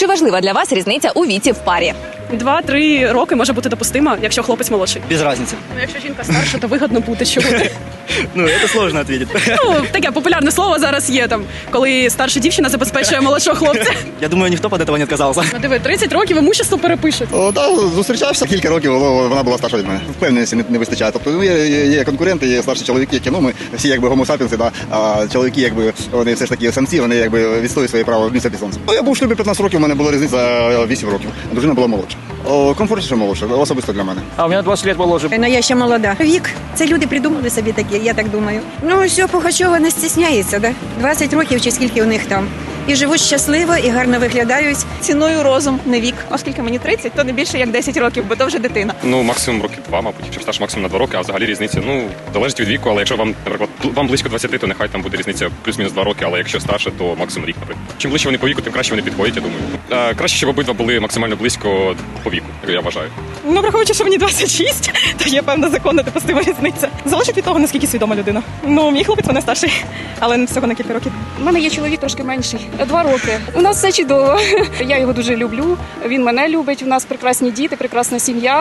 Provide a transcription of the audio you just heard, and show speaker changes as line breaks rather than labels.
Чи важлива для вас різниця у віці в парі?
2-3 роки може бути допустимо, якщо хлопець молодший.
Без разницы.
Ну, якщо жінка старша, то вигідно бути чому.
Ну, это сложно ответить.
Ну, таке популярне слово зараз є, там, коли старша дівчина забезпечує молодшого хлопця.
Я думаю, ніхто від цього не відказався.
Ну, диви, 30 років імущество перепишуть.
Так, зустрічався кілька років, вона була старша від мене. Впевненості не вистачає. Тобто є конкуренти, є старші чоловіки, які, ми всі якби гомо-сапіенси, да, а чоловіки, якби, вони все ж таки самці, вони якби відстоюють своє право місця під сонцем. Я був в шлюбі 15 років, у мене була різниця 8 років. Дружина була молодша. Комфортніше молодша, особисто для мене.
А у меня 20 лет моложе.
Ну, я ще молода. Вік, це люди придумали собі таке, я так думаю. Ну, все, Пугачова не стісняється, да? 20 років чи скільки у них там. І живуть щасливо, і гарно виглядають.
Ціную розум, не вік. Оскільки мені 30, то не більше як 10 років, бо то вже дитина.
Ну, максимум років 2, мабуть, якщо старше максимум на 2 роки, а взагалі різниця, залежить від віку, але якщо вам, наприклад, вам близько 20, то нехай там буде різниця плюс-мінус 2 роки, але якщо старше, то максимум рік, наприклад. Чим ближче вони по віку, тим краще вони підходять, я думаю. Краще, щоб обидва були максимально близько по віку, я вважаю.
Ну, враховуючи, що мені 26, то є певна законна допустима різниця. Залежить від того, наскільки свідома людина. Ну, мій хлопець мене старший, але всього на кілька років.
У мене є чоловік трошки менший, 2 роки. У нас все чудово. Я його дуже люблю, він мене любить, у нас прекрасні діти, прекрасна сім'я.